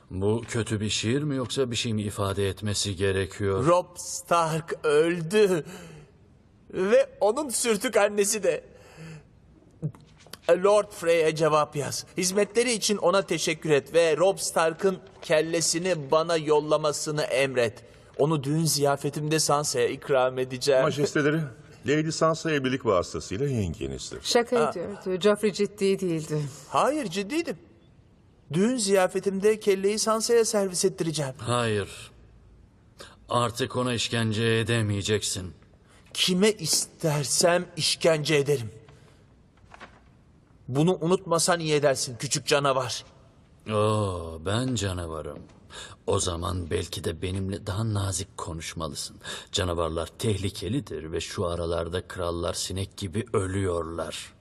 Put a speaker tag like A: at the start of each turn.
A: Bu kötü bir şiir mi yoksa bir şey mi ifade etmesi gerekiyor?
B: Robb Stark öldü. Ve onun sürtük annesi de. Lord Frey'e cevap yaz. Hizmetleri için ona teşekkür et ve Robb Stark'ın kellesini bana yollamasını emret. Onu düğün ziyafetimde Sansa'ya ikram edeceğim.
C: Majesteleri, Lady Sansa evlilik vasıtasıyla yengenizdir.
D: Şaka ediyordu. Joffrey ciddi değildi.
B: Hayır, ciddiydim. Düğün ziyafetimde kelleyi Sansa'ya servis ettireceğim.
A: Hayır. Artık ona işkence edemeyeceksin.
B: Kime istersem işkence ederim. Bunu unutmasan iyi edersin küçük canavar.
A: Oo, ben canavarım. O zaman belki de benimle daha nazik konuşmalısın. Canavarlar tehlikelidir ve şu aralarda krallar sinek gibi ölüyorlar.